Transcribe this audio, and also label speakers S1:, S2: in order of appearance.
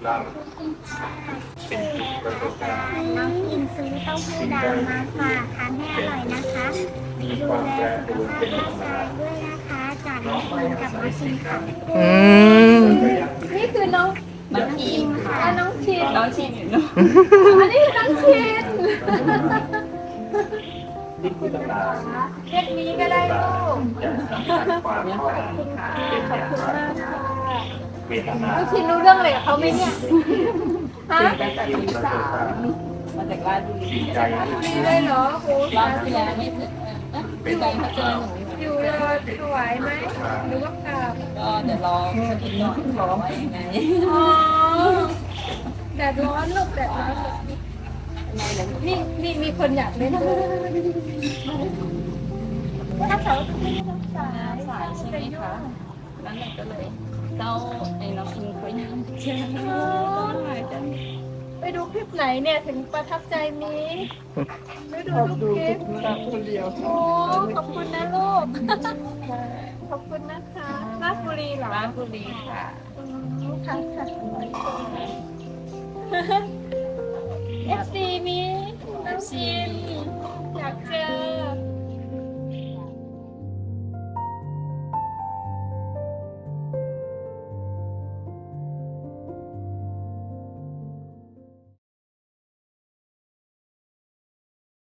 S1: เราเป็นจุดประสบการณ์
S2: น้องอิงซื้อเต้าหู้ดำมาฝากทานให้อร่อยนะคะ
S1: มี
S2: ดู
S1: ความ
S2: แล
S1: แปร
S2: สุ
S1: ป
S2: ข
S1: รวน
S2: ภาพ
S1: เป็นธรรม
S2: ร่างกา
S1: ดาย
S2: ด้วยนะคะจากน้องอิงกับน้องชินค่ะ
S3: อืม
S4: นี่คือน้อง
S2: น้องอิงค่ะ
S4: น้องชิน
S5: น้องชิมอยู่เนาะ
S4: อันนี้คือน้องชิน
S1: ที่คุณตา
S4: เรียกนี้ก็ได้ลูก
S1: จะสัมผัสความเข้าใจเป็นอย่างไรเวทนา
S4: น้องชินรู้เรื่องอะไรกับเขาไหมเนี่ยฮะ
S1: เป็นการที่ประสบการณ์
S5: มาจากราชบุรี
S1: จิตใจ
S4: มีเลยเหรอโอ้
S5: รอบที่แล้วไม่ถึงเป็นการพัฒนาหนู
S4: อยู่รอถวายไหมหรือว่ากราบ
S5: ก็เดี๋ยวรอสักนิดหน่อยรอไว้ยังไง
S4: อ๋อแดดร้อนลูกแดดร้อนลูกนี่มีคนอยากเล่นด้วยถ้าเขาไม่ได้รักษา
S5: สายใช่ไหมคะแล้วมันก็เลยเจ้าไอ้น้องอิงเขายังเจอต้องหายใจ
S4: ไปดูคลิปไหนเนี่ยถึงประทับใจมีไม่ดูทุกคลิป
S5: คนเดียว
S4: โอ้ขอบคุณนะลูก ขอบคุณนะคะราชบุรีเหรอ
S5: ราชบุรีค่ะ
S4: ค่ะค่ะเอฟซีมีน้ำชิน